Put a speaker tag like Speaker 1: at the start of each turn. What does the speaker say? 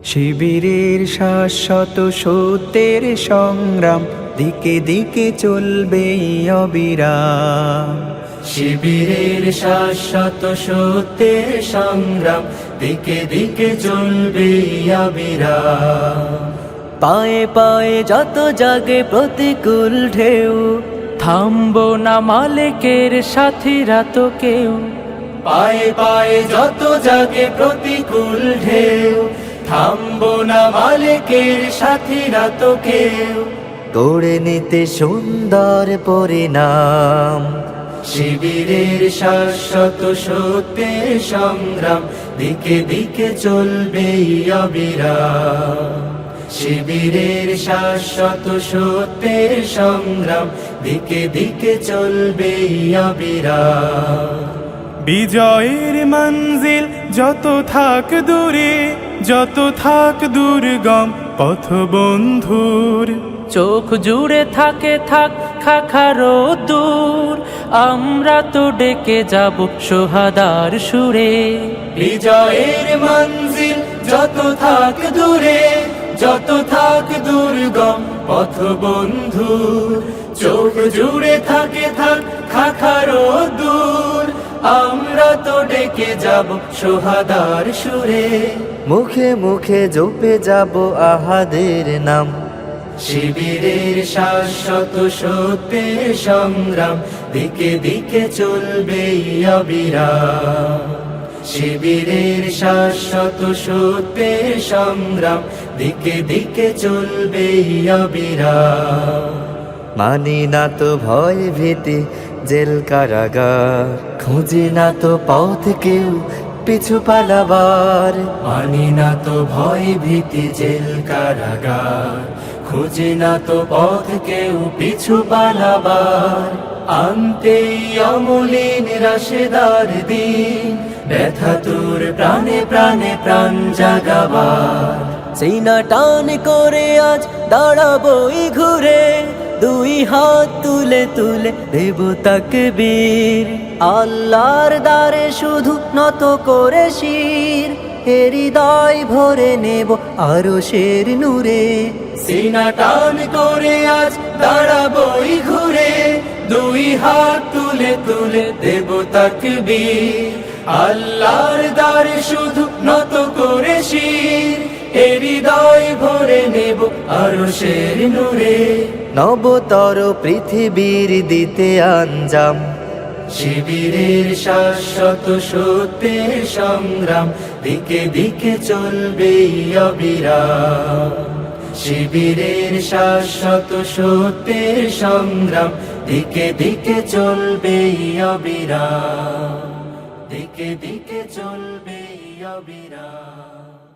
Speaker 1: শিবিরের শাশ্বত সত্যের সংগ্রাম দিকে দিকে চলবে অবিরাম।
Speaker 2: শিবিরের শাশ্বত সত্যের সংগ্রাম দিকে দিকে চলবে অবিরাম।
Speaker 1: পায়ে পায়ে যত জাগে প্রতিকূল ঢেউ, থামবো না মালিকের সাথীরা তো কেউ।
Speaker 2: পায়ে পায়ে যত জাগে প্রতিকূল ঢেউ, থামবো না মালিকের সাথীরা তো কেউ।
Speaker 1: গড়ে নিতে সুন্দর পরিণাম।
Speaker 2: শিবিরের শাশ্বত সত্যের সংগ্রাম দিকে দিকে চলবে অবিরাম। শিবিরের শাশ্বত সত্যের সংগ্রাম দিকে দিকে চলবে অবিরাম।
Speaker 3: বিজয়ের মঞ্জিল যত থাক দূরে, যত থাক দুর্গম পথ বন্ধুর,
Speaker 4: চোখ জুড়ে থাকে থাক খাখারো দূর, আমরা তো ডেকে যাব সোহাদার সুরে।
Speaker 2: বিজয়ের মঞ্জিল যত থাক দূরে, যত থাক দুর্গম পথ বন্ধুর, চোখ জুড়ে থাকে থাক খাখারো দূর, আমরা তো ডেকে যাব সোহাদার সুরে।
Speaker 1: মুখে মুখে জপে যাব আহাদের নাম।
Speaker 2: শিবিরের শাশ্বত সত্যের সংগ্রাম দিকে দিকে চলবে অবিরাম। শিবিরের শাশ্বত সত্যের সংগ্রাম দিকে দিকে চলবে অবিরাম।
Speaker 1: মানি না তো ভয় ভীতি জেল কারাগার, খুঁজি না তো পথ কেউ পিছু পালাবার।
Speaker 2: মানি না তো ভয় ভীতি জেল কারাগার, খুঁজি না তো পথ কেউ পিছু পালাবার। আনতে অমলিন রাশেদার দিন, ব্যথা তোর প্রাণে প্রাণে প্রাণ জাগাবার।
Speaker 1: সিনা টান করে আজ দাঁড়াবই ঘুরে, দুই হাত তুলে তুলে দেব তাকবীর। আল্লাহর দ্বারে শুধু নত করে শির, হৃদয় ভরে নেব আরশের নূরে।
Speaker 2: সিনা টান করে আজ দাঁড়াবই ঘুরে, দুই হাত তুলে তুলে দেব তাকবীর। আল্লাহর দ্বারে শুধু নত করে শির, হৃদয় ভরে নেব আরশের নূরে।
Speaker 1: নবতর পৃথিবীর দিতে আঞ্জাম।
Speaker 2: শিবিরের শাশ্বত সত্যের সংগ্রাম দিকে দিকে চলবে অবিরাম। শিবিরের শাশ্বত সত্যের সংগ্রাম দিকে দিকে চলবে অবিরাম। দিকে দিকে চলবে অবিরাম।